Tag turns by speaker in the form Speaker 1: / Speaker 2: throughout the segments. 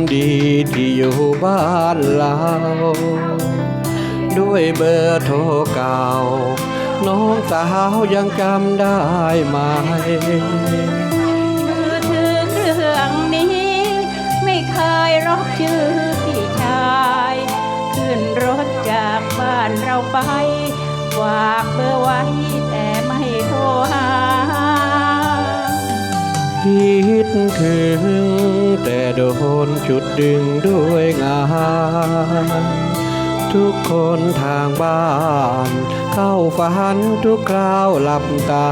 Speaker 1: ดีที่อยู่บ้านเราด้วยเบอร์โทรเก่าน้องสาวยังจำได้ไหม
Speaker 2: มือถือเครื่องนี้ไม่เคยรอกชื่อพี่ชายขึ้นรถจากบ้านเราไปฝากเบอร์ไว้แต่ไม่โทรหา
Speaker 1: คิดถึงแต่โดนจุดดึงด้วยงานทุกคนทางบ้านเข้าฝันทุกคราวหลับตา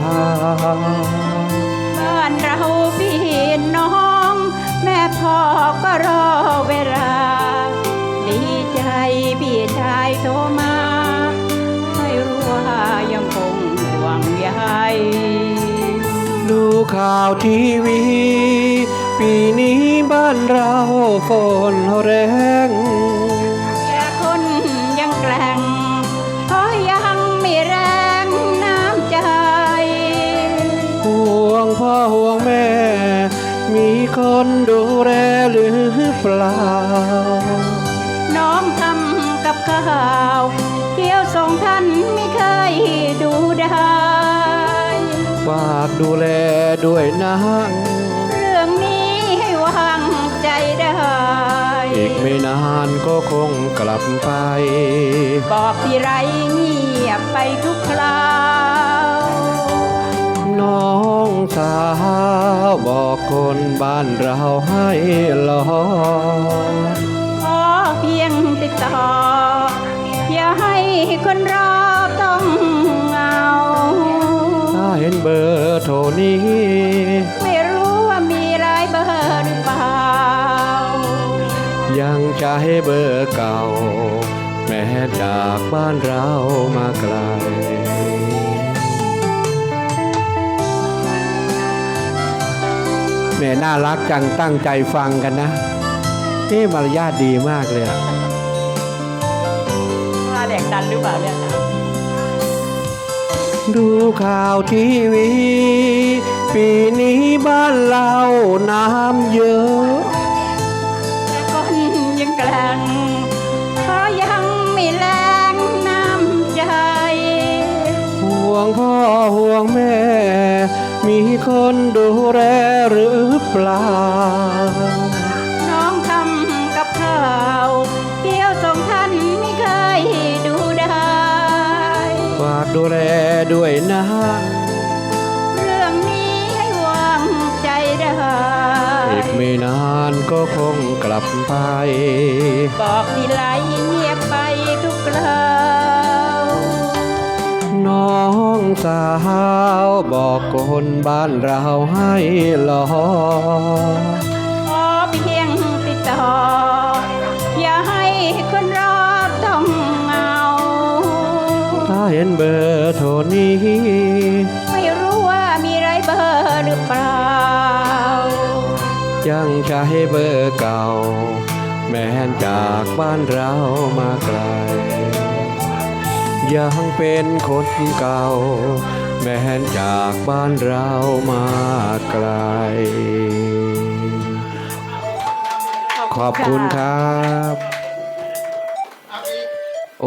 Speaker 2: บ้านเราพี่น้องแม่พ่อก็รอเวลาดีใจพี่ชายโทรมาให้รู้ว่ายังคงห่วงใย
Speaker 1: ดูข่าวทีวีปีนี้บ้านเราฝนแรง
Speaker 2: แต่คนยังแกล้งเพราะยังมีแรงน้ำใจ
Speaker 1: ห่วงพ่อห่วงแม่มีคนดูแลหรือเปล่า
Speaker 2: น้องทำกับข้าวเที่ยวส่งท่านไม่เคยดูได้
Speaker 1: ฝากดูแลด้วยนะ
Speaker 2: เรื่องนี้ให้วางใจได้
Speaker 1: อีกไม่นานก็คงกลับไป
Speaker 2: บอกที่ไรเงียบไปทุกคราว
Speaker 1: น้องสาวบอกคนบ้านเราให้รอ
Speaker 2: ขอเพียงติดต่ออย่าให้คนรอต้องเหงา
Speaker 1: ถ้าเห็นเบอร์โทรนี้
Speaker 2: ไม่รู้ว่ามีหลายเบอร์หรือเปล่า
Speaker 1: ยังจะให้เบอร์เก่าแม้จากบ้านเรามาไกลแม่น่ารักจังตั้งใจฟังกันนะมารยาทดีมากเลย
Speaker 2: ว่าเด็กดันหรือเปล่าเนี่ย
Speaker 1: ดูข่าวทีวีปีนี้บ้านเราน้ำเยอะ
Speaker 2: แต่คนยังแกล้งเพราะยังไม่แรงน้ำใจ
Speaker 1: ห่วงพ่อห่วงแม่มีคนดูแลหรือเปล่า
Speaker 2: น้องทำกับข้าวเที่ยวส่งท่านไม่เคยดูได้
Speaker 1: ฝากดูแลด้วยนะ
Speaker 2: เรื่องนี้ให้วางใจได้
Speaker 1: อีกไม่นานก็คงกลับไป
Speaker 2: บอกทีไรเงียบไปทุกคราว
Speaker 1: น้องสาวบอกคนบ้านเราให้รอ
Speaker 2: ขอเพียงติดต่ออย่าให้คนรอต้องเหงา
Speaker 1: ถ้าเห็นเบอร์โทรนี้
Speaker 2: ไม่รู้ว่ามีหลายเบอร์หรือเปล่า
Speaker 1: ยังใช้เบอร์เก่าแม้จากบ้านเรามาไกลยังเป็นคนเก่าแม้จากบ้านเรามาไกลขอบคุณครับ